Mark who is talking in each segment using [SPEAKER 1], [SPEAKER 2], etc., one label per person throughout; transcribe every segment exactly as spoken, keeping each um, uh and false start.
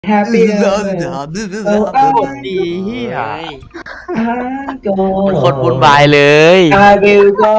[SPEAKER 1] Happy
[SPEAKER 2] เลิศ
[SPEAKER 1] birthday
[SPEAKER 2] เลิศเลิศเลิศ
[SPEAKER 1] Oh
[SPEAKER 2] เลิศ
[SPEAKER 1] I
[SPEAKER 3] ดีเฮีย
[SPEAKER 1] go
[SPEAKER 3] มันโคตรวุ่นวายเลย
[SPEAKER 1] I will go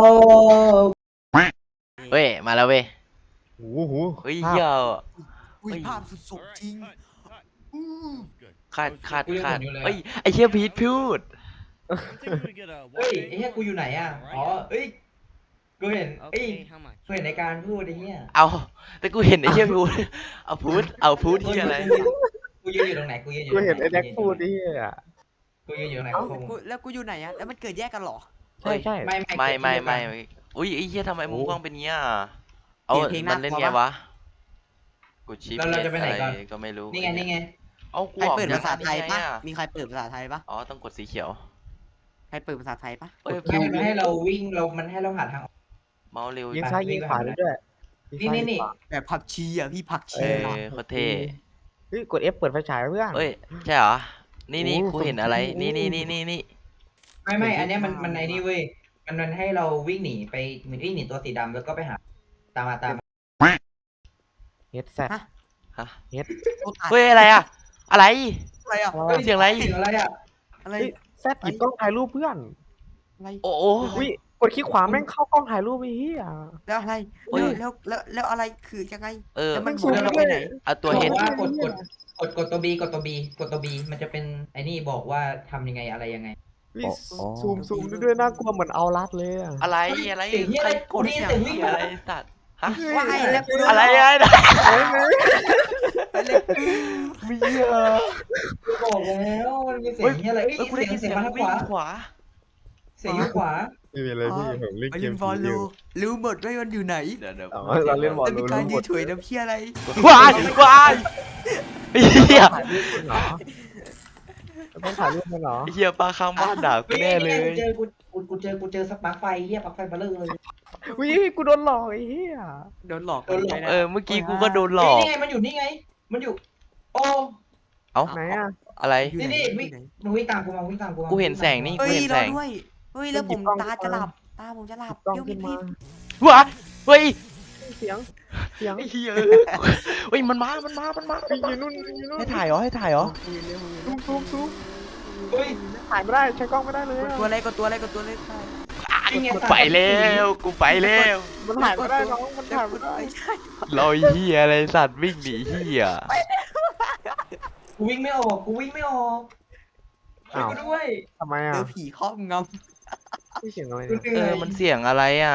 [SPEAKER 3] เว้ยมาแล้วเว้ย
[SPEAKER 4] โอ้โห
[SPEAKER 3] เฮ้ยเฮีย
[SPEAKER 2] อุ้ยภาพสุดสมจริง
[SPEAKER 3] ขาดขาด
[SPEAKER 1] กูยัง
[SPEAKER 3] ขาด
[SPEAKER 1] เห็นอยู่เลยอะ
[SPEAKER 3] เฮ้ยไอเฮียพีทพูด
[SPEAKER 1] เฮ้ยไอ้เหี้ยกูอยู่ไหนอ่ะอ๋อเอ้ยกูเห็นเอ้ยกูเห็นในการพูดไอ้เหี้ย
[SPEAKER 3] เอาแต่กูเห็นไอเฮียพูดเอาพูดเอาพูดเฮียอะไร
[SPEAKER 1] กูยืนอยู่ตรงไหนกูยืนอยู่
[SPEAKER 4] กู
[SPEAKER 1] ตรงไหน
[SPEAKER 4] เห็นไอ้แดกพูดนี่อ่ะ
[SPEAKER 1] กูยืนอยู่ตรงไหน
[SPEAKER 2] เอ้า
[SPEAKER 1] กู
[SPEAKER 2] กูแล้วกูอยู่ไหนอะแล้วมันเกิดแยกกันเหรอ
[SPEAKER 4] ใช่ใช่
[SPEAKER 1] ไม่
[SPEAKER 3] ไม่ไม่ไม่
[SPEAKER 1] ไม่
[SPEAKER 3] อุ้ยไอเฮียทำไมมุมกล้องเป็นเงี้ยเอา
[SPEAKER 2] เปลี่ยนเพลง
[SPEAKER 3] มันเล่น
[SPEAKER 2] น่ากลั
[SPEAKER 3] ไง
[SPEAKER 2] วปะ
[SPEAKER 3] วะกูชิป
[SPEAKER 1] เราเราจะไปไหนก่อน
[SPEAKER 3] ก็ไม่รู้
[SPEAKER 1] นี่ไงนี่ไง
[SPEAKER 3] เอากู
[SPEAKER 2] ใคร
[SPEAKER 3] ออก
[SPEAKER 2] เปิด
[SPEAKER 3] จก
[SPEAKER 2] ภาษาไทย
[SPEAKER 3] นี่
[SPEAKER 2] ปะ
[SPEAKER 3] งอะ
[SPEAKER 2] มีใครเปิดภาษาไทยปะ
[SPEAKER 3] อ๋อต้องกดสีเขียว
[SPEAKER 2] ใครเปิดภาษาไทยปะ
[SPEAKER 3] เอ้ย
[SPEAKER 1] ไม่มันให้เราวิ่งเรามันให้เราหาทางออก
[SPEAKER 3] เมาส์เร็ว
[SPEAKER 4] ยิงซ้ายยิงขวาได้ด้วย
[SPEAKER 1] นี่นี่นี่
[SPEAKER 2] แบบผักชีอ่ะพี่ผัก
[SPEAKER 3] เอ
[SPEAKER 2] ชี
[SPEAKER 3] อ
[SPEAKER 2] อะ
[SPEAKER 3] โคตรเท่
[SPEAKER 4] เฮ้ยกด F เปิดไฟฉายเพื่อน
[SPEAKER 3] เอ้ยใช่เหรอ นี่นี่
[SPEAKER 4] โอ้
[SPEAKER 3] กูเห็นอะไร
[SPEAKER 4] สมจริ
[SPEAKER 3] นี่
[SPEAKER 4] ง
[SPEAKER 3] นี่นี่นี่นี่
[SPEAKER 1] ไม่ไม่อันเนี้ยมันมันไอ้นี่เว้ยมันมันให้เราวิ่งหนีไปเหมือนวิ่งหนีตัวสีดำแล้วก็ไปหาตามมาตามมา
[SPEAKER 4] เฮดแซด
[SPEAKER 3] ฮะ
[SPEAKER 4] เฮด
[SPEAKER 2] โอ้ตาย
[SPEAKER 3] เฮ้ยอะไรอะอะไร
[SPEAKER 2] อะไรอ่ะ
[SPEAKER 1] ฮ้
[SPEAKER 3] เสียงอะไร
[SPEAKER 1] เสียงอะไรอ่ะ
[SPEAKER 2] อะไร
[SPEAKER 4] เฮ้ยแซดหยิบกล้องถ่ายรูปเพื่อน
[SPEAKER 2] อะไร
[SPEAKER 3] โอ้โห
[SPEAKER 4] อุ้ยกดคลิกขวาแม่งเข้ากล้องถ่ายรูปไอ้เหี้ย
[SPEAKER 2] แล้วอะไร
[SPEAKER 3] เฮ้ย
[SPEAKER 2] แล้วแล้วแล้วอะไรคือยังไง
[SPEAKER 3] เออ
[SPEAKER 2] แล้วมัน
[SPEAKER 4] สูง
[SPEAKER 2] เรา
[SPEAKER 4] ด้
[SPEAKER 2] ไป
[SPEAKER 4] วย
[SPEAKER 2] ไหน
[SPEAKER 3] เอาตัว
[SPEAKER 1] บ
[SPEAKER 3] เห็
[SPEAKER 1] อน กว่ากดกดกดกดตัวบีกดตัวบีกดตัวบีมันจะเป็นไอ้นี่บอกว่าทำยังไงอะไรยังไง
[SPEAKER 4] อุ้ยซูมซูมด้วยน่ากลัวเหมือนเอารัดเลยอะ
[SPEAKER 3] อะไรอะไร
[SPEAKER 1] เสียงเหี้ยอะไร
[SPEAKER 3] ใครกด
[SPEAKER 1] กูได้ยิน
[SPEAKER 3] เสียง
[SPEAKER 1] เสียงวิ่ง
[SPEAKER 3] อะไรสัตว์ฮะ
[SPEAKER 2] ว่าไงแล้วกูโดน
[SPEAKER 3] อะไร
[SPEAKER 2] หล
[SPEAKER 3] อะไร
[SPEAKER 4] เฮ้ยเฮ้ย
[SPEAKER 2] อะไรกู
[SPEAKER 3] มีเหี้ย
[SPEAKER 1] บอกแล้วมันมีเสีย
[SPEAKER 3] เฮ้ย
[SPEAKER 1] งเหี้ยอะไรเอ้ย
[SPEAKER 3] เอ้ยกูได้
[SPEAKER 1] เสียง
[SPEAKER 3] ยิน
[SPEAKER 1] เสี
[SPEAKER 3] เสี
[SPEAKER 1] ย
[SPEAKER 3] ย
[SPEAKER 1] ง
[SPEAKER 3] ง
[SPEAKER 1] มาทางข
[SPEAKER 3] วิ่ง
[SPEAKER 1] วา
[SPEAKER 3] ขวา
[SPEAKER 1] เสียงอยู่ขวา
[SPEAKER 4] ไม่มีอะไรพี่ผมเล่น
[SPEAKER 2] ไป
[SPEAKER 4] เก
[SPEAKER 2] เล่
[SPEAKER 4] ม
[SPEAKER 2] นบอล
[SPEAKER 4] ผี
[SPEAKER 2] ลู
[SPEAKER 4] อยู่
[SPEAKER 2] รู้หมดว่ามันอยู่ไหน
[SPEAKER 3] เดี๋ยวเดี๋ยว
[SPEAKER 4] อ๋อเราเล่นบอล
[SPEAKER 2] แล้วมีการยืนเฉยน้ำเพี้ยอะไร
[SPEAKER 3] วายวายไอ้เหี้ย
[SPEAKER 4] ถ่ายรูปมันเหรอต้องถ่ายรูปมันเหรอ
[SPEAKER 3] ไอ้เหี้ยปลาข้างบ้านด่ากูแน่เลย
[SPEAKER 1] กูเจอกูกูกูเจอกูเจอสปาร์คไฟเหี้ยปลั๊กไฟเบลเลอร์เลย
[SPEAKER 4] อุ้ยกูโดนหลอกไอ้เหี้ย
[SPEAKER 2] โดนหลอก
[SPEAKER 1] โดนหลอก
[SPEAKER 3] เออเมื่อกี้กูก็โดนหลอก
[SPEAKER 1] นี่ไงมันอยู่นี่ไง มันอยู่ โอ้
[SPEAKER 3] เอ้า
[SPEAKER 4] ไหนอ่ะ
[SPEAKER 3] อะไร
[SPEAKER 2] อยู่
[SPEAKER 1] นี่
[SPEAKER 2] ไห
[SPEAKER 1] นี่วิ่งมึงวิ่งตามกูมาวิ่งตามกูมา
[SPEAKER 3] กูเห็นแสงนี่
[SPEAKER 2] เฮ้
[SPEAKER 3] กู
[SPEAKER 2] ย
[SPEAKER 3] เห็น
[SPEAKER 2] ร
[SPEAKER 3] แส
[SPEAKER 2] อง ด้วยเฮ้ยแล้วผมตาจะหลับตาผมจะหลับ
[SPEAKER 4] กล้อง
[SPEAKER 2] เดี๋ยว
[SPEAKER 4] ขึ้
[SPEAKER 2] พี่
[SPEAKER 4] นมา
[SPEAKER 2] พี่
[SPEAKER 3] ว้าเฮ้ย
[SPEAKER 4] เสียงเสียง
[SPEAKER 3] ไอ้เหี้ยเฮ้ยมันมา มันมา มันมา
[SPEAKER 4] ไปยืนนู่นยืนนู่น
[SPEAKER 3] ให้ถ่ายเหรอให้ถ่ายเหรอ
[SPEAKER 4] ซูมซูมซูม
[SPEAKER 1] เฮ้ย
[SPEAKER 4] ถ่ายไม่ได้ใช้กล้องไม่ได้เลย
[SPEAKER 2] กด
[SPEAKER 4] อะ
[SPEAKER 2] ตัวอะไรกดตัวอะไรกดตัวอะไรไป
[SPEAKER 1] นี่ไง
[SPEAKER 3] ไปแล้วกูไปแล้ว
[SPEAKER 4] มันถ่ายไม่ได้น้องมันถ่ายไม่ได้
[SPEAKER 2] ไม่ใช่
[SPEAKER 3] รอยเหี้ยอะไรสัตว์วิ่งหนีเหี้ย
[SPEAKER 1] กูวิ่งไม่ออกกูวิ่งไม่ออกช่วยกูด้วย
[SPEAKER 4] ทำไม
[SPEAKER 2] เจ
[SPEAKER 4] อ่ะ
[SPEAKER 2] อผีครอบง
[SPEAKER 4] พี่เสียงอะไร
[SPEAKER 1] กู
[SPEAKER 4] เนี่ย
[SPEAKER 1] เห
[SPEAKER 3] เอ
[SPEAKER 1] นื่อ
[SPEAKER 3] อย มันเสียงอะไรอ่ะ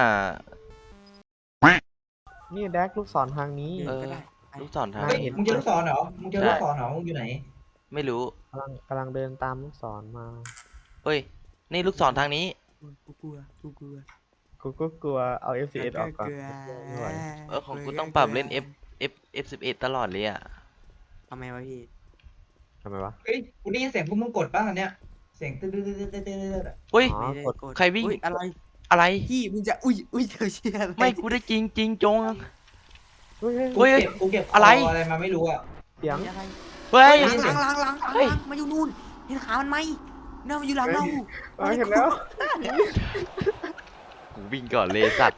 [SPEAKER 4] นี่แดกลูกศรทางนี้
[SPEAKER 2] ำ
[SPEAKER 3] เออ
[SPEAKER 2] ก็ได้
[SPEAKER 3] ลูกศรทาง
[SPEAKER 1] เฮ้ย
[SPEAKER 3] นี้
[SPEAKER 1] มึงเจอลูกศรเหรอมึงเจอลูกศรเหรอมึงอยู่ไหน
[SPEAKER 3] ไม่รู้
[SPEAKER 4] กำลังกำลังเดินตามลูกศรมา
[SPEAKER 3] เฮ้ย นี่ลูกศรทางนี้
[SPEAKER 2] กูกลัวกูกลัว
[SPEAKER 4] กูก็กลัวเอา เอฟ ซี เอส ออกก่อน
[SPEAKER 3] เออของกูต้องปรับเล่น F F F สิบเอ็ดตลอดเลยอ่ะ
[SPEAKER 2] ทำไมวะพี่
[SPEAKER 4] ทำไมวะ
[SPEAKER 1] เฮ้ยกูได้ยินเสียงพวกมึงกดบ้างอันเนี้ยเสียงตื้อตื้อตื้อตื้อตื้อตื้อ
[SPEAKER 3] เฮ้ย
[SPEAKER 4] อ๋อ
[SPEAKER 2] ไม่ได้
[SPEAKER 4] กด
[SPEAKER 2] กด
[SPEAKER 3] ใครวิ่ง
[SPEAKER 2] อุ๊ยอะไร
[SPEAKER 3] อะไร
[SPEAKER 2] พี่มึงจะอุ้ยอุ้ยเธอเชียอะไร
[SPEAKER 3] ไม่กูได้จริงจริงจง
[SPEAKER 4] เฮ้ยเฮ้ย
[SPEAKER 1] กู
[SPEAKER 3] เฮ้ย
[SPEAKER 1] เก็บกูเก็บ
[SPEAKER 3] อะไร
[SPEAKER 1] อะไรมาไม่รู้อ่ะ
[SPEAKER 4] เสียง
[SPEAKER 2] อะไร
[SPEAKER 3] เฮ้ย
[SPEAKER 2] ล้างล้างล้างล้าง
[SPEAKER 3] เฮ้ย
[SPEAKER 2] ล้างมาอยู่นู่นเห็นขามันไหมเนี่ยมันอยู่หลังเรา
[SPEAKER 4] เฮ้ยเห็นแล้ว
[SPEAKER 3] กูวิ่งก่อนเลยสัตว์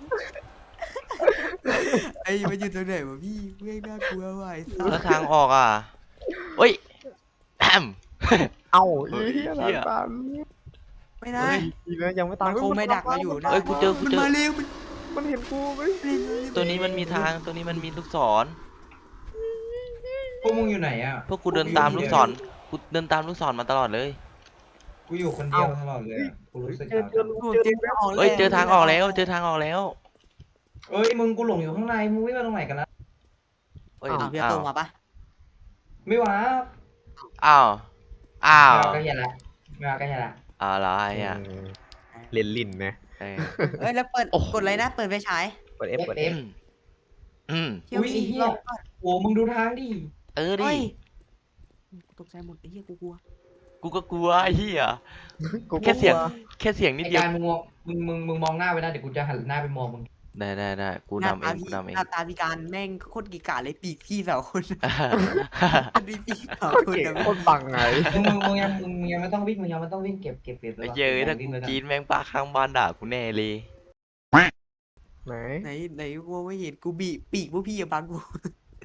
[SPEAKER 2] ไอ้มันอยู่ตรงไหนวะพี่เม่งน่ากลัวว่ะไอ้สั
[SPEAKER 3] แล้ว
[SPEAKER 2] ส
[SPEAKER 3] ทางออกอ่ะเฮ้ยแอม
[SPEAKER 4] เอ้า
[SPEAKER 3] เฮ้
[SPEAKER 4] อี
[SPEAKER 3] ย
[SPEAKER 4] เหี้ย
[SPEAKER 3] เหี้ย
[SPEAKER 4] ตาม
[SPEAKER 2] ไม่ได้
[SPEAKER 4] อีแล้วยังไม่ตาม
[SPEAKER 2] มันคงไม่ดักเราอยู่นะ
[SPEAKER 3] เอ้ยกูเจอกู
[SPEAKER 2] มัน
[SPEAKER 3] เจอ
[SPEAKER 2] มาเร็วมัน
[SPEAKER 4] มันเห็นกูไหม
[SPEAKER 3] ตัวนี้มันมีทางตัวนี้มันมีลูกศร
[SPEAKER 1] พวกมึงอยู่ไหนอ่ะ
[SPEAKER 3] พวกกูเดินตามลูกศรกูเดินตามลูกศรมาตลอดเลย
[SPEAKER 1] กูอยู่คนเดียวตลอดเลยอะกูรู้สึก
[SPEAKER 4] เจอเจอ
[SPEAKER 1] เหงา
[SPEAKER 4] ลูก
[SPEAKER 2] ผม
[SPEAKER 4] เจอ
[SPEAKER 2] เจอไม่ออก
[SPEAKER 3] เฮ้ยเจอทางออกแล้วเจอทางออกแล้ว
[SPEAKER 1] เอ้ยมึงกูหลงอยู่ข้างในมึงวิ่งมาตรงไหนกันนะ
[SPEAKER 3] เฮ้ย
[SPEAKER 2] อ้าวพี่
[SPEAKER 3] อ้า
[SPEAKER 2] โต
[SPEAKER 3] ว
[SPEAKER 2] มาปะ
[SPEAKER 1] ไม่ว้า
[SPEAKER 3] อ้าวอ้าว
[SPEAKER 1] ไม่ว้าก็เหี้ยละไม่ว้าก็เหี้ยละ
[SPEAKER 3] อะไรอ่ะ
[SPEAKER 4] เล่นลิ้นนะ
[SPEAKER 3] เออ
[SPEAKER 2] เอ้ยแล้วเปิด
[SPEAKER 3] โอ้โห
[SPEAKER 2] กดอะไรนะเปิดไฟฉาย
[SPEAKER 4] กด F กด
[SPEAKER 1] เอ
[SPEAKER 4] F
[SPEAKER 1] ฟ
[SPEAKER 3] อืม
[SPEAKER 2] เที่ยว
[SPEAKER 1] อุ้ย
[SPEAKER 2] พี่
[SPEAKER 1] เหี้ย
[SPEAKER 2] ลองก่อน
[SPEAKER 1] โอ้มึงดูทางดิ
[SPEAKER 3] เออดิ
[SPEAKER 2] เฮ้ยตกใจหมดไอ้เหี้ยกูกลัว
[SPEAKER 3] กูก็กลัวไอ้เหี้ย
[SPEAKER 4] กู
[SPEAKER 3] แค่เสียงแค่เสียงนิด
[SPEAKER 1] ไอ้
[SPEAKER 3] เดียว
[SPEAKER 1] การมึงมองมึงมึงมึงมองหน้าไว้นะเดี๋ยวกูจะหันหน้าไปมองมึง
[SPEAKER 3] ได้ได้ได้กู
[SPEAKER 2] หน้าน
[SPEAKER 3] ำเอ
[SPEAKER 2] ตาง
[SPEAKER 3] กู
[SPEAKER 2] พี่
[SPEAKER 3] นำเอง
[SPEAKER 2] หน้าตาพิการแม่งโคตรกีกาเลยปีกพี่สาวคนอันนี้พี่สาว
[SPEAKER 4] โคตร
[SPEAKER 2] คน
[SPEAKER 4] เก่ง
[SPEAKER 2] นะ
[SPEAKER 4] โคตรบังไง
[SPEAKER 1] มึงมึงมึงยังมึงมึงยังไม่ต้องวิ่งมึงยังไม่ต้องวิ่งเก็บเก็บเก็บ
[SPEAKER 3] ไอ้เย้ยถ้ากูกรีดแม่งป้าข้างบ้านด่ากูแน่เลย
[SPEAKER 4] ไหน
[SPEAKER 2] ไหนไหนกูไม่เห็นกูบีปีกพวกพี่อย่าบังกู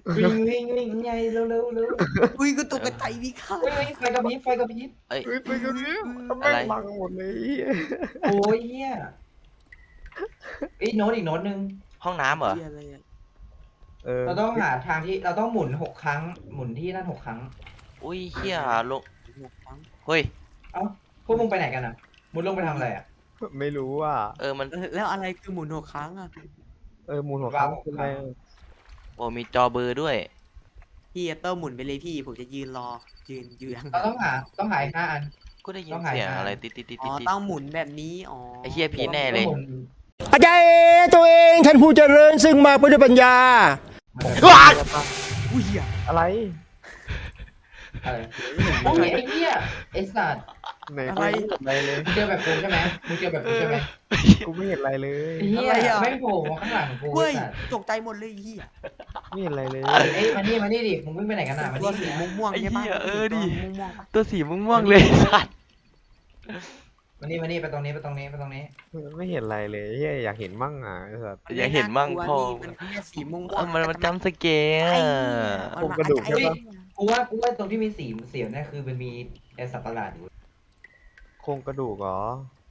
[SPEAKER 1] วิ่งวิ่งวิ่งไงเร็วเร็วเร็ว
[SPEAKER 2] อุ้ยก็ตกใจพี่ค่ะ
[SPEAKER 1] เฮ้ยเฮ้ยไฟกระพริบไฟกระพริบ
[SPEAKER 3] เอ้ย
[SPEAKER 4] เฮ้ยไปกันเนี่ยแม่
[SPEAKER 3] อะไร
[SPEAKER 4] งบังหมดเลยไอ้เหี้ย
[SPEAKER 1] โอ้ยเฮียไอ้ยโน้ตอีกโน้ตหนึ่ง
[SPEAKER 3] ห้องน้ำเหรอ
[SPEAKER 2] เหี้ยอะไรอะ
[SPEAKER 4] เออ
[SPEAKER 1] เราต้องหาทางที่เราต้องหมุนหกครั้ง หมุนที่นั่นหกครั้ง
[SPEAKER 3] อุ้ยเฮียลง
[SPEAKER 2] หกครั้ง
[SPEAKER 3] เฮ้ย
[SPEAKER 1] เอ้าพวกมึงไปไหนกันอ่ะมุดลงไปทำอะไรอ่ะ
[SPEAKER 4] ไม่รู้ว่า
[SPEAKER 3] เออมัน
[SPEAKER 2] เออแล้วอะไรคือหมุนหกครั้งอะ
[SPEAKER 4] เออมูลหัวครั้ง
[SPEAKER 1] ว้าว
[SPEAKER 4] เป็นไร
[SPEAKER 3] โอ้มีจอเบอร์ด้วย
[SPEAKER 2] พี่เตอร์หมุนไปเลยพี่ผมจะยืนรอยืนยืน
[SPEAKER 1] เราต้องหาต้องหาอีกห้าอัน
[SPEAKER 3] กูได้ยิ
[SPEAKER 1] ต้
[SPEAKER 3] น
[SPEAKER 1] องหา
[SPEAKER 3] เสียง
[SPEAKER 1] ทาง
[SPEAKER 3] อะไรติดติดติด
[SPEAKER 2] อ๋
[SPEAKER 3] ติ
[SPEAKER 2] อ
[SPEAKER 3] ดติด
[SPEAKER 2] ต้องหมุนแบบนี้อ๋อ
[SPEAKER 3] ไอ้เหี้ยผีแน่เลย
[SPEAKER 1] หมุน
[SPEAKER 5] อาจารย์ตัวเองท่านผู้เจริญซึ่งมากไปด้วยปัญญา
[SPEAKER 3] ว้าย
[SPEAKER 2] อุ้ยเหี้ย
[SPEAKER 4] อะไร
[SPEAKER 1] อะไรโอ้ยไอ้เหี้ยไอ้สัตว์
[SPEAKER 4] ไหนกูไม่เห็นอะไรเลย
[SPEAKER 1] มึงเจอแบบกูใช่ไหมมึงเจอแบบกูใช่ไหม
[SPEAKER 4] กูไม่เห็นอะไรเลย
[SPEAKER 1] ไอ้เหี้ยไม่งโผล่มาข้างหลังกู
[SPEAKER 2] เว้ย
[SPEAKER 1] ไอ้สัตว์
[SPEAKER 2] ตกใจหมดเลยเหี้ย
[SPEAKER 4] ไม่เห็นอะไรเลย
[SPEAKER 1] เอ้ยมานี่มานี่ดิมึงวิ่งไปไหนกันอ่ะมา
[SPEAKER 2] ตัว
[SPEAKER 1] นี่
[SPEAKER 2] สี
[SPEAKER 1] ดิ
[SPEAKER 2] ม่วงๆใช่ปะ
[SPEAKER 3] ไอ้เหี้ยเออดิ
[SPEAKER 2] ตัวม่วงๆปะ
[SPEAKER 3] ตัวสีม่วงๆเลยสัตว์
[SPEAKER 1] มานี่มานี่ไปตรงนี้ไปตรงนี้ไปตรงนี้
[SPEAKER 4] ไม่เห็นอะไรเลยเฮียอยากเห็นมั่งอ่ะไอ้สัส
[SPEAKER 3] อยากเห็นมั่ง
[SPEAKER 2] กลัว
[SPEAKER 3] พ่อ
[SPEAKER 2] นี่มันแค่สีม่วง
[SPEAKER 3] เออมันมันจำสเกล
[SPEAKER 2] ไอ้
[SPEAKER 3] อะ
[SPEAKER 2] เหี้ย
[SPEAKER 4] โครงกระดูกใช่ปะ
[SPEAKER 1] กูว่ากูว่าตรงที่มีสีเสียวเนี่ยคือมันมีไอ้สัตว์ประหลาดอยู่
[SPEAKER 4] โครงกระดูกเหรอ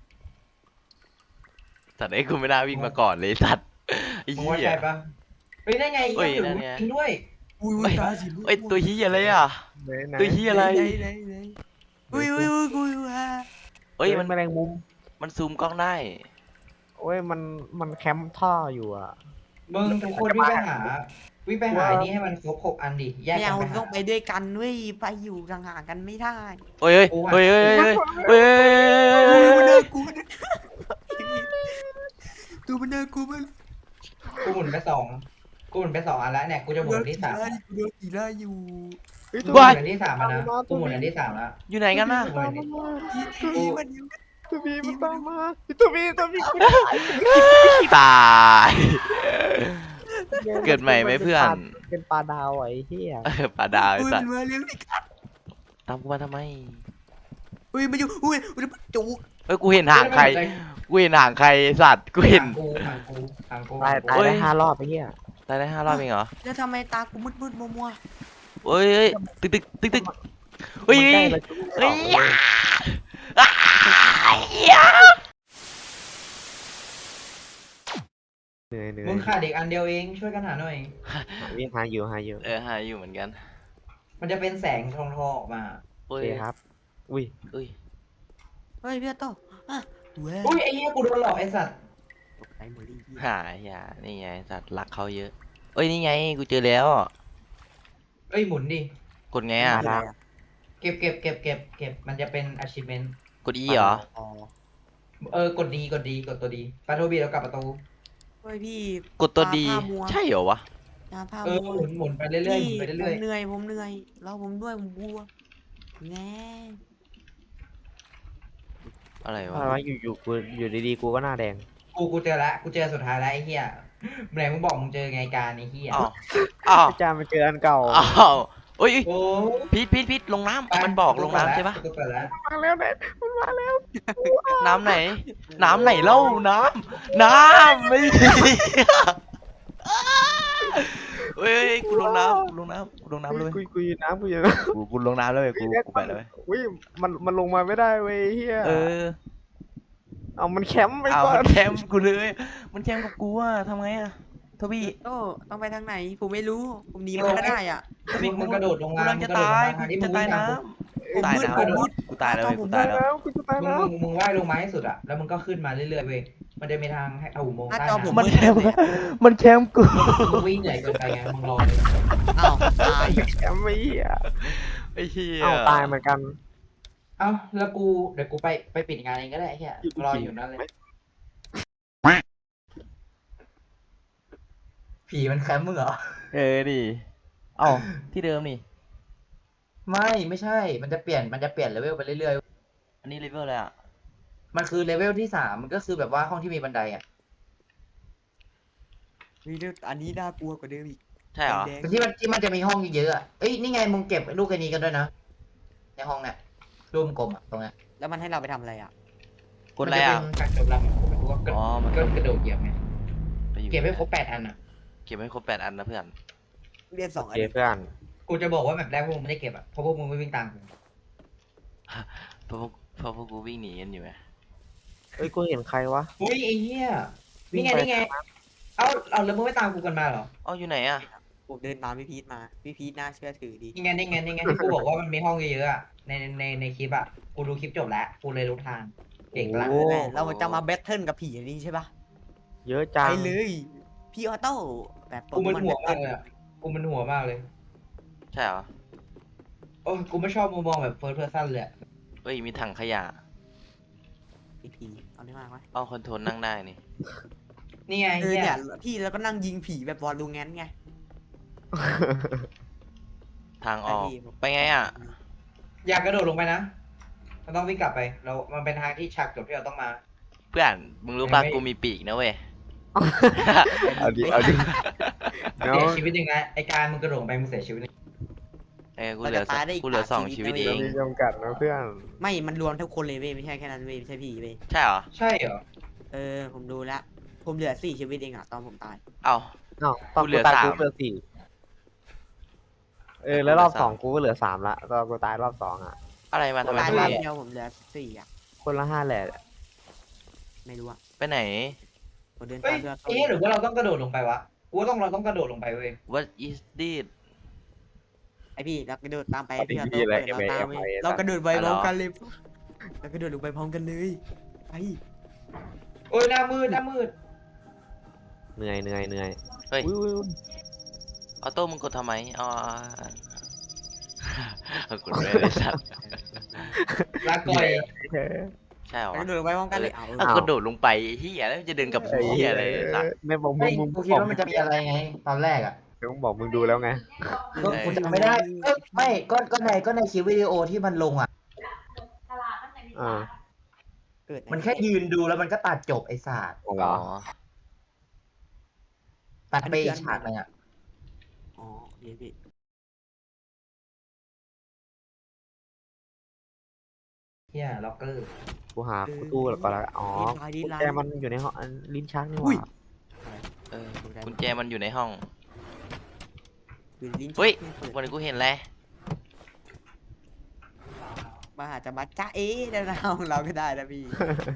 [SPEAKER 3] สัตว์ไอ้กูไม่น่าวิ่งมาก่อนเลยสัตว์ไอ้
[SPEAKER 1] มึง
[SPEAKER 3] เหี้
[SPEAKER 1] ว่าย ใช่ปะเฮ้ยได้ไง
[SPEAKER 3] เฮ้ย
[SPEAKER 1] ยัง
[SPEAKER 3] นั่น
[SPEAKER 1] ถื
[SPEAKER 3] ไง
[SPEAKER 1] อจริงด้วย
[SPEAKER 2] อุ้ย
[SPEAKER 3] เอ้ย
[SPEAKER 2] ตาสีม่วง
[SPEAKER 3] เอ้ยตัวเหี้ยอะไรอ่ะ
[SPEAKER 4] ไหนไหน
[SPEAKER 3] ตัวเหี้ยอะไร
[SPEAKER 2] ไหนไหนไหนอุ้ยอุ้ยอุ้ยอุ้ยอุ้ย
[SPEAKER 3] เอ้ยมัน
[SPEAKER 4] แมลงมุม
[SPEAKER 3] มันซูมกล้องได้
[SPEAKER 4] โอ้ยมันมันแคมป์ท่ออยู่อ่ะ
[SPEAKER 1] มึงทุกคนวิ่งไปหาวิ่งไปหาไอ้นี่ให้มันครบหกอันดิแยก
[SPEAKER 2] ไม่
[SPEAKER 1] กัน
[SPEAKER 2] เอา
[SPEAKER 1] ไปหา
[SPEAKER 2] ต้องไปด้วยกันเว้ยไปอยู่ห่างๆกันไม่ได้
[SPEAKER 3] เฮ้ยเฮ้ย
[SPEAKER 1] กูอะ
[SPEAKER 3] เฮ้ยเฮ้ยเฮ้ยเฮ้ย
[SPEAKER 2] อุ้ย
[SPEAKER 3] เฮ้
[SPEAKER 2] มัน
[SPEAKER 3] ย
[SPEAKER 2] น่ากลัวนะตัวมันน่ากลัวมาก
[SPEAKER 1] กูหมุนไปสองกูหมุนไปสองอันแล้วเนี่ยกูจะหมุนอันที่สาม
[SPEAKER 2] กูโดนตีล่าอยู่
[SPEAKER 4] เฮ้ย
[SPEAKER 1] กู
[SPEAKER 4] ตัว
[SPEAKER 1] หมุนอันที่สามแล้วนะกูหมุนอันที่สามแล้ว
[SPEAKER 3] อยู่ไหนกันน่ะ
[SPEAKER 1] กูหมุนอันที่
[SPEAKER 2] ตีมันอยู่
[SPEAKER 4] ตัวบีมันตามมาตัวบีตัวบี
[SPEAKER 3] ตาย เกิดใหม่ไหมเพื่อน
[SPEAKER 4] เป็นปลาดาวไอ้เหี้ย
[SPEAKER 3] เออปลาดาวไอ้
[SPEAKER 2] อุ้ย
[SPEAKER 3] สั
[SPEAKER 2] มั
[SPEAKER 3] ต
[SPEAKER 2] น
[SPEAKER 3] ว์
[SPEAKER 2] มาเร็วอีก
[SPEAKER 3] ตามกูมาทำไม
[SPEAKER 2] อุ้ยมันอยู่อุ้ยอุ้ยมันจุก
[SPEAKER 3] เอ้ยกูเห็นห่างใครกูเห็นห่างใครไอ้สัตว์กูเห็น
[SPEAKER 1] ทางกูทางกูทางกู
[SPEAKER 4] ตายตาย
[SPEAKER 3] เฮ้ย
[SPEAKER 4] ได้ห้ารอบไอ้เหี้ย
[SPEAKER 3] ตายได้ห้ารอบเองเหรอ
[SPEAKER 2] แล้วทำไมตากูมืดมืดมัวมัว
[SPEAKER 3] เฮ้ยเฮ้ยตึกตึกตึกตึกเฮ้ย
[SPEAKER 4] มันใกล้แล้ว
[SPEAKER 3] เฮ้ยอ้ายเหี้ย
[SPEAKER 4] เหนื่อยเหนื่อย
[SPEAKER 1] มึงขาดอีกอันเดียวเองช่วยกันหาหน่อย
[SPEAKER 4] วิ่งหาอยู่หาอยู่
[SPEAKER 3] เออหาอยู่เหมือนกัน
[SPEAKER 1] มันจะเป็นแสงทองทองออกมา
[SPEAKER 3] โอ้
[SPEAKER 4] โอย เคครับ อุ้ย
[SPEAKER 3] อุ้ย
[SPEAKER 2] เฮ้ยพี่โตอ่ะเว้ย
[SPEAKER 1] อุ้ยไอ้เหี้ยกูโดนหลอกไอ้สัตว์
[SPEAKER 2] ตกใจหมดเลย
[SPEAKER 3] หาอย่านี่ไงสัตว์รักเขาเยอะเอ้ยนี่ไงกูเจอแล้ว
[SPEAKER 1] เอ้ยหมุนดิ
[SPEAKER 3] กดไงอ่ะ
[SPEAKER 4] มา
[SPEAKER 1] เก็บเก็บเก็บเก็บเก็บมันจะเป็น achievement
[SPEAKER 3] กด E เหรอ
[SPEAKER 2] อ๋อ
[SPEAKER 1] เออกดดีกดดีกดตัวดีประตูบีแล้วกลับประตู
[SPEAKER 2] เฮ้ยพี่
[SPEAKER 3] กดตัวดี
[SPEAKER 2] ตาผ้ามัว
[SPEAKER 3] ใช่เหรอวะ
[SPEAKER 2] ตาผ้า
[SPEAKER 1] เออ
[SPEAKER 2] มัว
[SPEAKER 1] หมุนหมุนไปเรื่อยๆหมุนไปเรื่อย
[SPEAKER 2] ผมเหนื่อยผมเหนื่อยแล้วผมด้วยผมกลัวแง่
[SPEAKER 3] อะไรวะ
[SPEAKER 4] อะไรวะอยู่อยู่กูอยู่ดีๆกูก็หน้าแดง
[SPEAKER 1] ๆกูกูเจอละกูเจอสุดท้ายแล้วไอ้เหี้ยไหนมึงบอกมึงเจอไงการไอ้เหี้ย
[SPEAKER 3] อ้าวอ้าว
[SPEAKER 4] อาจารย์มาเจออันเก่า
[SPEAKER 3] อ้าวเอ้ยเอ้ย
[SPEAKER 1] โอ้
[SPEAKER 3] พีทพีทพีทลงน้ำมันบอกลงน้ำใช่ปะ
[SPEAKER 1] กูเปิดแล้ว
[SPEAKER 4] มาแล้วเนี่ยมันมาแล้ว
[SPEAKER 3] น้ำไหน น้ำไหนเล่าน้ำน้ำไม่ดีเฮ้ยเฮ้ยกูลงน้ำกูลงน้ำกูลงน้ำเลย
[SPEAKER 4] กูกูอยู่น้ำกูอยู่น้
[SPEAKER 3] กูกูลงน้ำเลย
[SPEAKER 4] ำ
[SPEAKER 3] กูกูไปเลย
[SPEAKER 4] อุ้ยมันมันลงมาไม่ได้เว้ยเฮีย
[SPEAKER 3] เออ
[SPEAKER 4] เอามันแคมป์ไป
[SPEAKER 3] เอา
[SPEAKER 4] ก่อ
[SPEAKER 3] มัน นแคมป์กูเลย มันแคมป์กับกูอะทำไงอะโทบี้
[SPEAKER 2] โตต้องไปทางไหนผมไม่รู้ผมหนีมาก็ได้อ่ะ
[SPEAKER 1] มึงมึงกระโดดลง
[SPEAKER 3] กู
[SPEAKER 1] น้ำ
[SPEAKER 3] กำลัง
[SPEAKER 1] มึ
[SPEAKER 3] จะ
[SPEAKER 1] งกระโดด
[SPEAKER 3] ตา
[SPEAKER 1] ล
[SPEAKER 3] ย
[SPEAKER 1] ง
[SPEAKER 3] กู
[SPEAKER 1] น้ำที่มึ
[SPEAKER 3] จะ
[SPEAKER 1] ง
[SPEAKER 3] ตาย
[SPEAKER 1] วิ่ง
[SPEAKER 3] น้
[SPEAKER 1] ตาม
[SPEAKER 3] ำตายน้ำกูตายแล้วกู
[SPEAKER 4] ผม
[SPEAKER 3] ตาย
[SPEAKER 4] ได้
[SPEAKER 3] แล้ว
[SPEAKER 4] แล้วกูจะตาย
[SPEAKER 1] มึง
[SPEAKER 4] แล้ว
[SPEAKER 1] มึงมึงว่ายลงมาให้สุดอะแล้วมึงก็ขึ้นมาเรื่อยๆเว้ยมันจะมีทางให้เอาอุโมงค์
[SPEAKER 2] หน้า
[SPEAKER 1] ใต้
[SPEAKER 2] จอผม
[SPEAKER 1] น้ำ
[SPEAKER 3] มันแคมป์มันแคมป์กู
[SPEAKER 1] มึงวิ่งเหนื่อยเกินไปไงมึงรอเลย
[SPEAKER 2] อ้าวตาย
[SPEAKER 4] แคมป์ไม่เฮีย
[SPEAKER 3] ไอ้เหี้ย
[SPEAKER 4] เอาตายเหมือนกัน
[SPEAKER 1] เอ้าแล้วกูเดี๋ยวกูไปไปปิดงานเองก็ได้ไอ้เหี้ยรออยู่นั่นเลยผีมันแคมป์มึงเหรอ
[SPEAKER 3] เออดิเอ้าที่เดิมนี่
[SPEAKER 1] ไม่ไม่ใช่ มันจะเปลี่ยนมันจะเปลี่ยนเลเวลไปเรื่อย
[SPEAKER 3] อันนี้เลเวลอะไรอะ
[SPEAKER 1] ๆมันคือเลเวลที่สามมันก็คือแบบว่าห้องที่มีบันไดอ่ะ
[SPEAKER 2] มีเรื่องอันนี้น่ากลัวกว่าเดิมอีก
[SPEAKER 3] ใช่เหรอ
[SPEAKER 2] แดง
[SPEAKER 1] แต่ที่มันที่มันจะมีห้องเยอะๆอะเอ้ยนี่ไงมึงเก็บลูกไอ้นี้กันด้วยนะในห้องเนี่ยรูปกลมอ่ะตรงเนี้ย
[SPEAKER 2] ๆแล้วมันให้เราไปทำอะไรอ่ะ
[SPEAKER 3] กดอะไรอะ
[SPEAKER 1] มันจะเป็นการจบลำกูไม่รู้ว่าก็
[SPEAKER 3] อ๋อมัน
[SPEAKER 1] ก็กระโดดเหยียบไง
[SPEAKER 3] ไปอยู่
[SPEAKER 1] เก็บให้ครบแปดอันอ่ะ
[SPEAKER 3] เก็บให้ครบแปดอันนะเพื่อน
[SPEAKER 2] เรียนสอง
[SPEAKER 4] โอ
[SPEAKER 2] อัน
[SPEAKER 4] เคเพื่อน
[SPEAKER 1] กูจะบอกว่าแบบแรกพวกมึงไม่ได้เก็บอะเพราะพวกมึงไม่วิ่งตามกู
[SPEAKER 3] เพราะพวกเพราะพวกกูวิ่งหนีกันอยู่ไง
[SPEAKER 4] เอ้ยกูเห็นใครวะ
[SPEAKER 1] อุ้ยไอ้เหี้ย
[SPEAKER 4] วิ่
[SPEAKER 1] นี่
[SPEAKER 4] ง
[SPEAKER 1] ไง
[SPEAKER 4] ไป
[SPEAKER 1] นี่ไงเอ้าเอาแล้วมึงไม่ตามกูกันมาเหรอ
[SPEAKER 3] เอ้าอยู่ไหนอะ
[SPEAKER 2] ผมเดินตามพี่พีทมาพี่พีทน่าเชื่อถือดี
[SPEAKER 1] นี่ไงนี่ไงนี่ไงที่กูบอกว่ามันมีห้องเยอะๆอะในในในคลิปอะกูดูคลิปจบแล้วกูเลยรู้ทางเก่งละ
[SPEAKER 4] โอ้
[SPEAKER 2] แม่เราจะมาแบทเทิลกับผีอันนี้ใช่ปะ
[SPEAKER 4] เยอะจัง
[SPEAKER 2] ไปเลยพี่ออโต้แบบ
[SPEAKER 1] กูมันหัว
[SPEAKER 2] แบ
[SPEAKER 1] มาก
[SPEAKER 2] ท
[SPEAKER 1] เลย
[SPEAKER 2] เทิล
[SPEAKER 1] อะกูมันหัวมากเลย
[SPEAKER 3] ใช่เหรอ
[SPEAKER 1] โอ้ยกูไม่ชอบมุมมองแบบเฟิร์สเพอร์ซันเลยอะ
[SPEAKER 3] เฮ้ยมีถังขยะ
[SPEAKER 2] พี่พีเอาได้มากไหม
[SPEAKER 3] เอาคอนโทรลนั่งได้นี่
[SPEAKER 1] นี่ไง
[SPEAKER 2] เออ
[SPEAKER 1] เหี้ย
[SPEAKER 2] เนี่ยพี่แล้วก็นั่งยิงผีแบบวอลลูแงนไง
[SPEAKER 3] ทางออก
[SPEAKER 2] ไปดิ
[SPEAKER 3] ไปไงอะ
[SPEAKER 1] อยากกระโดดลงไปนะมันต้องวิ่งกลับไปเรามันเป็นทางที่ฉากจบที่เราต้องมา
[SPEAKER 3] เพื่อนมึงรู้ป่ะ
[SPEAKER 1] ไม่
[SPEAKER 3] กูมีปีกนะเว้ย
[SPEAKER 4] เอาดิเอาดิเนาะ
[SPEAKER 1] เสียชีวิตหนึ่งนะไอการมึงกระโดดลงไปมึงเสียชีวิตหนึ่ง
[SPEAKER 3] เอ้ยกูเหลือสองกูเหลือสองชีวิตเอ
[SPEAKER 4] เรา
[SPEAKER 3] ง
[SPEAKER 4] มีจำกัดนะเพื่อน
[SPEAKER 2] ไม่มันรวมทุกคนเลยเว้ยไม่ใช่แค่นั้นเว้ยไม่ใช่พี่เว้ย
[SPEAKER 3] ใช่เหรอ
[SPEAKER 1] ใช่เหรอ
[SPEAKER 2] เออผมดูแล้วผมเหลือสี่ชีวิตเองอะตอนผมตาย
[SPEAKER 3] เอ้า
[SPEAKER 4] อ้าวตอน
[SPEAKER 3] กูเหลื
[SPEAKER 4] กู
[SPEAKER 3] อ
[SPEAKER 4] ตาย
[SPEAKER 3] สาม
[SPEAKER 4] กูเหลือสี่เออแล้วรอบสองกูก็เหลือสามละตอนกูตายรอบสองอ่ะ
[SPEAKER 3] อะไรมาทำไม
[SPEAKER 2] ตาย
[SPEAKER 3] ทุ
[SPEAKER 2] รอบ
[SPEAKER 3] เรศ
[SPEAKER 2] เดียวผมเหลือสี่อะ
[SPEAKER 4] คนละห้าแหละ
[SPEAKER 2] ไม่รู้อะ
[SPEAKER 3] ไปไหน
[SPEAKER 2] ผมเดิน
[SPEAKER 1] เฮ้
[SPEAKER 2] ตาย มเพื่อน
[SPEAKER 1] ไอ้เหี้ยหรือว่าเราต้องกระโดดลงไปวะกูว่าต้องเราต้องกระโดดลงไปเว้ย
[SPEAKER 3] What is this
[SPEAKER 2] ไอพี่เรากระโดดตามไป
[SPEAKER 4] เอา
[SPEAKER 2] พี่
[SPEAKER 4] ดี
[SPEAKER 2] ออ
[SPEAKER 4] ๆ
[SPEAKER 2] โต้
[SPEAKER 4] เลย
[SPEAKER 2] เปิดเราตาม
[SPEAKER 4] เอ็ม
[SPEAKER 2] เว้
[SPEAKER 4] ไอ
[SPEAKER 2] ย
[SPEAKER 4] เอ็มไอ
[SPEAKER 2] เรากระโดดไป
[SPEAKER 3] อะไร
[SPEAKER 2] พร้อม
[SPEAKER 3] หรอ
[SPEAKER 2] กันเลยเรากระโดดลงไปพร้อมกันเลยไป
[SPEAKER 1] โอ้ยหน้ามืดหน้ามืด
[SPEAKER 4] เหนื่อยเหนื่อยเหนื่อย
[SPEAKER 3] เฮ้ย
[SPEAKER 4] อุ้ยอุ้ยอุ้ย
[SPEAKER 3] ออโต้มึงกดทำไมอ๋อเอากดไม่ได้สัตว์
[SPEAKER 1] ลาก่อย
[SPEAKER 4] เฮ้ย
[SPEAKER 3] ใช่เหรอ
[SPEAKER 2] เรากระโดดลงไปพร้อมกันเลยเอา
[SPEAKER 3] เอากระโดดลงไปเฮียแล้วจะเดินกับเฮียอะไรสัตว์
[SPEAKER 4] ไม่บอกมึ
[SPEAKER 1] ไม่
[SPEAKER 4] งมึง
[SPEAKER 1] กูคิดว่ามันจะมีอะไรไง ตอนแรกอ่ะ
[SPEAKER 4] เดี๋ยวมึงบอกมึงดูแล้วไง
[SPEAKER 1] ก็กูจำไม่ได้เอ้ยไม่ก็ก็ในก็ในคลิปวิดีโอที่มันลงอ่ะ
[SPEAKER 4] อ่า
[SPEAKER 2] เกิด
[SPEAKER 1] มันแค่ยืนดูแล้วมันก็ตัดจบไอ้ศาสตร์
[SPEAKER 4] อ๋อ
[SPEAKER 3] อ๋อ
[SPEAKER 1] ตัดไปอีกฉากหนึงอ่ะ
[SPEAKER 2] อ๋อเดี๋ยวพี่
[SPEAKER 1] เฮียล็อกเกอร์
[SPEAKER 4] กูหากูตู้แล้วก็แล้วอ๋อ
[SPEAKER 2] ดี
[SPEAKER 4] กุญ
[SPEAKER 2] ไลน์
[SPEAKER 4] แจมันอยู่ในห้องอันลิ้นชักนี่ห
[SPEAKER 2] อุ้ย
[SPEAKER 4] ว่า
[SPEAKER 3] เออกุญแจมันอยู่ในห้อง
[SPEAKER 2] อยู่ลิ้น
[SPEAKER 3] เฮ้ย
[SPEAKER 2] ชัก
[SPEAKER 3] วันนี้กูเห็นแล้ว
[SPEAKER 2] มาหาจะมาจ้าเอ๊ะในห้องเราก็ได้นะพี่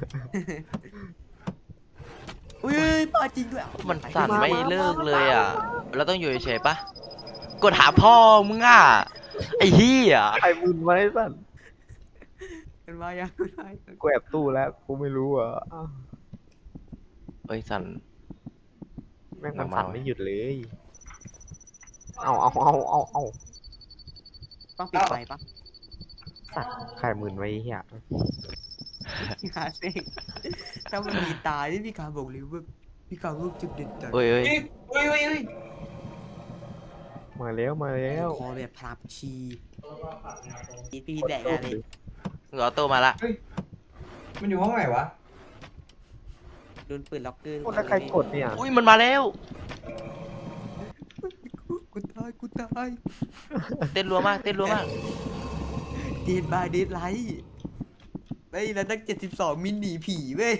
[SPEAKER 2] อุ้ยปาจริงด้วย
[SPEAKER 3] มันสั่นไม่เลิกเลยอ่ะเราต้องอยู่เฉยๆปะกดหาพ่อมึงอ่ะไอ้เหี้ย
[SPEAKER 4] ใครมึนไว้สั่น
[SPEAKER 2] มันมายังไง
[SPEAKER 4] กูแอบตู้แล้วกูไม่รู้อ่ะอ้าว
[SPEAKER 3] เอ้ยสั่น
[SPEAKER 4] แม่งมัน
[SPEAKER 3] มา
[SPEAKER 4] สั่น
[SPEAKER 3] ๆ
[SPEAKER 4] ไม่หยุดเลย เอาเอาเอาเอาเอา
[SPEAKER 2] ต้องปิดไฟปะ
[SPEAKER 4] สัตว์ใครมึนไว้เฮีย
[SPEAKER 2] หาเซ็งถ้ามันมีตาที่พี่ขาบอกเลยว่าพี่ขาลูกจุดเด่นจัด
[SPEAKER 3] เฮ้ยเฮ้ย
[SPEAKER 1] เฮ้ยเฮ้ยเฮ้ยเฮ้ย
[SPEAKER 4] มาแล้วมาแล้ว
[SPEAKER 2] คอแบบพลับชีพี่พี่แดกอะไร
[SPEAKER 3] มึงออโต้มาละ
[SPEAKER 1] มันอยู่ห้องไหนวะ
[SPEAKER 2] โดนปืนล็อกเกอร์
[SPEAKER 4] โอ้แล้วใครกดเนี่ย
[SPEAKER 3] อุ้ยมันมาแล้ว
[SPEAKER 2] กูตายกูตาย
[SPEAKER 3] เต้นรัวมากเต้นรัวมาก
[SPEAKER 2] เดดบายเดดไลท์เฮ้ยแล้วตั้งเจ็ดสิบสองมินหนีผีเว้ย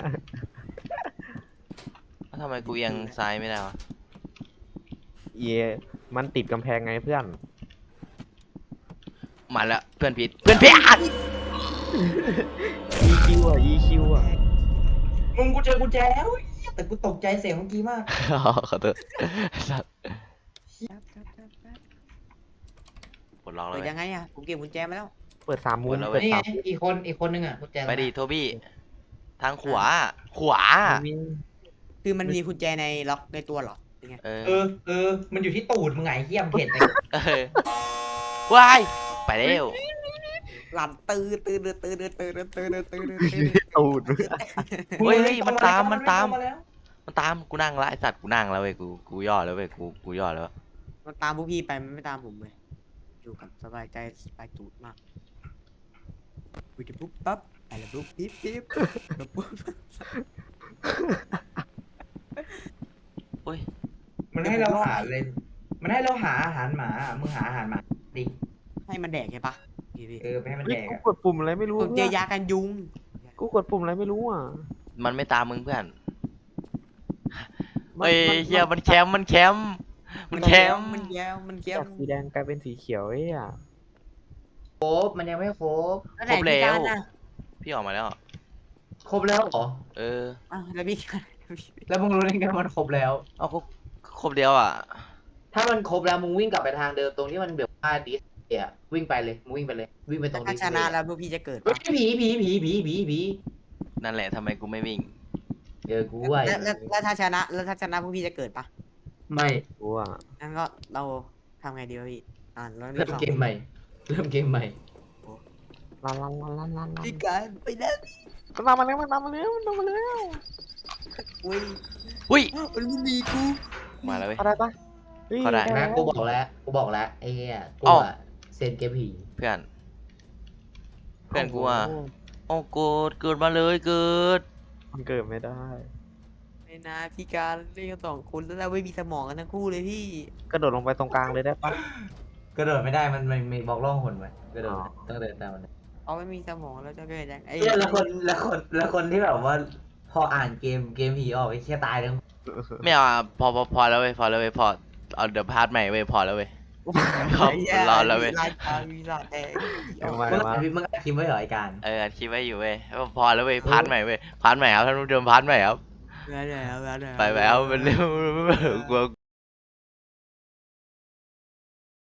[SPEAKER 3] แล้วทำไมกูยังซ้ายไม่ได้วะ
[SPEAKER 4] เยมันติดกำแพงไงเพื่อน
[SPEAKER 3] มาแล้วเพื่อนผิดเพื่อนผิดอ่ะ
[SPEAKER 4] อี คิว อ่ะ อี คิว อ่ะ
[SPEAKER 1] มึงกูเจอกุญแจแล้วเหี้ยแต่กูตกใจเสียงเมื่อกี้มาก
[SPEAKER 3] ขอโทษสัตว์ปลดล็อกแล้ว
[SPEAKER 2] เปิด
[SPEAKER 3] เว้ย
[SPEAKER 2] ยังไงอะผมเก็บกุญแจมาแล้ว
[SPEAKER 4] เปิดสามมุม
[SPEAKER 3] เปิดแล้ว
[SPEAKER 4] เปิด
[SPEAKER 1] นี่ไง
[SPEAKER 4] สามมุม
[SPEAKER 1] อีกคนอีกคนนึงอ่ะกุญแจ
[SPEAKER 3] ไปดิโทบี้ทางขวาขวา
[SPEAKER 4] มี
[SPEAKER 2] คือมันมีกุญแจในล็อกในตัวเหรอเป็นไง
[SPEAKER 3] เออ
[SPEAKER 1] เออเออมันอยู่ที่ตูดมึงไงเหี้ยมงเห็นไหม
[SPEAKER 3] เออว้ายไปเร็ว
[SPEAKER 2] หลับตื่นตื่นตื่นตื่นตื่นตื่นตื่นตื่นตื่น
[SPEAKER 4] อยู่ที่ตูด
[SPEAKER 3] เฮ้ยเฮ้ยมันตามมันตาม
[SPEAKER 1] เข้แล้ว
[SPEAKER 3] มันตามกูนั่งละไอสัตว์กูนั่งแล้วเว้ยกูกูย่อแล้วเว้ยกูกูย่อแล้ว
[SPEAKER 2] มันตามพวกพี่ไปมันไม่ตามผมเลยอยู่กับสบายใจสบายตูดมากปุ๊บปุ๊บปั๊บอะไรปุ๊บปิ๊บปิ๊บปุ๊บปุ๊บ
[SPEAKER 3] โอ้ย
[SPEAKER 1] มันให้เราหาเลย มันให้เราหาอาหารหมามึงหาอาหารหมาดิ
[SPEAKER 2] ให้มันแดกใช่ปะพี่พี่
[SPEAKER 1] เออไปให้มัน
[SPEAKER 4] เฮ้
[SPEAKER 1] แด
[SPEAKER 4] ย
[SPEAKER 1] ก
[SPEAKER 4] กู
[SPEAKER 1] อะ
[SPEAKER 4] กดปุ่มอะไรไม่รู้
[SPEAKER 2] ผมเจอยากันยุง
[SPEAKER 4] กูกดปุ่มอะไรไม่รู้อ่ะ
[SPEAKER 3] มันไม่ตามมึงเพื่อน
[SPEAKER 4] มัน
[SPEAKER 3] เฮ้ย
[SPEAKER 4] มัน
[SPEAKER 3] เฮียมันแคมป์มันแคมป์มันแคม
[SPEAKER 2] มันแย้มมันแย้
[SPEAKER 4] จาม กสีแดงกลายเป็นสีเขียวเอ้ยอ่ะ
[SPEAKER 1] ครบมันยังไม่ครบ
[SPEAKER 2] แล้วไหนพี่การน่ะ
[SPEAKER 3] พี่ออกมาแล้ว
[SPEAKER 1] ครบแล้วเหรอ
[SPEAKER 3] เออ
[SPEAKER 2] อ่ะแล้วพี่การ
[SPEAKER 1] แล้วมึงรู้ได้ไงว่ามันครบแล้ว
[SPEAKER 3] เอาก็ครบเดียวอ่ะ
[SPEAKER 1] ถ้ามันครบแล้วมึงวิ่งกลับไปทางเดิมตรงที่มันแบบว่าดิสเอะวิ่งไปเลยมึงวิ่งไปเลยวิ่งไปตรง
[SPEAKER 2] ถ้า
[SPEAKER 1] ดิส
[SPEAKER 2] ชนะแล้วพวกพี่จะเกิด
[SPEAKER 1] เฮ้
[SPEAKER 2] ปะ
[SPEAKER 1] ยผีผีผีผีผีผี
[SPEAKER 3] นั่นแหละทำไมกูไม่วิ่ง
[SPEAKER 1] เจอกูไว้
[SPEAKER 2] แล้วแล้วแล้วถ้าชนะแล้วถ้าชนะพวกพี่จะเกิดปะ
[SPEAKER 1] ไม่
[SPEAKER 4] กูอ่ะ
[SPEAKER 2] งั้นก็เราทำไงดีวะพี่อ่านแล้ว
[SPEAKER 1] เริ่มเกมใหม่ เริ่มเกมใหม่
[SPEAKER 4] ลันลันลันลันลันลัน
[SPEAKER 2] พี่การไปแล้ว
[SPEAKER 4] มันตามมาแล้วมันตามมาแล้วมันตามมาแล้ว
[SPEAKER 2] อุ้ย
[SPEAKER 3] อุ้ย
[SPEAKER 2] มันไม่มีกู
[SPEAKER 3] มาแล้วเว้ย
[SPEAKER 4] เข้าได้ปะฮ้ย
[SPEAKER 3] เข้าได้
[SPEAKER 1] นะ
[SPEAKER 4] แล้ว
[SPEAKER 1] กูบอกแล้วกูบอกแล้วไอ้เหี้ยกู
[SPEAKER 3] อ้าว
[SPEAKER 1] อะเซนเกมผี
[SPEAKER 3] เพื่อน เพื่อนกูอ่ะโอ้เกิดเกิดมาเลยเกิด
[SPEAKER 4] มันเกิดไม่ได้
[SPEAKER 2] ไม่นะพี่การเล่นกันสองคนแล้วเราไม่มีสมองกันทั้งคู่เลยพี่
[SPEAKER 4] กระโดดลงไปตรงกลางเลยได้ปะ
[SPEAKER 1] กระโดดไม่ได้มันมันมีบล็อกล่องหนไว้กระโดด
[SPEAKER 4] อ๋อ
[SPEAKER 1] ต้องเดินตามมัน
[SPEAKER 2] เอาไม่มีสมองแล้วจะเกิดยังไง
[SPEAKER 1] เหี้ยแล้วคนแล้วคนแล้วคนที่แบบว่า พออ่านเกมเกมผีออกไอ้เชี่ยตายเลย
[SPEAKER 3] ไม่เอาอ่ะพอพอพอแล้วเว้ยพอแล้วเว้ยพอเอาเดี๋ยวพาร์ทใหม่เว้ยพอแล้วเว้ย ครับ
[SPEAKER 2] ไอ้เหี้ย
[SPEAKER 3] รอแล้วเว้ย
[SPEAKER 2] รายการมีหลอดแดง
[SPEAKER 4] เอามา
[SPEAKER 1] มึง
[SPEAKER 4] เอามา
[SPEAKER 1] อ่านมึงอ่านคลิปไว้เหรอไอ้การ
[SPEAKER 3] เอออัดคลิปไว้อยู่เว้ยพอแล้วเว้ยพาร์ทใหม่เว้ยพาร์ทใหม่ครับท่านผู้ชมพาร์ทใหม่ครับ
[SPEAKER 2] เดี๋ยวเดี๋ยวเดี๋ยวเดี๋ยว
[SPEAKER 3] ไปแล้วมันเร็วกลัว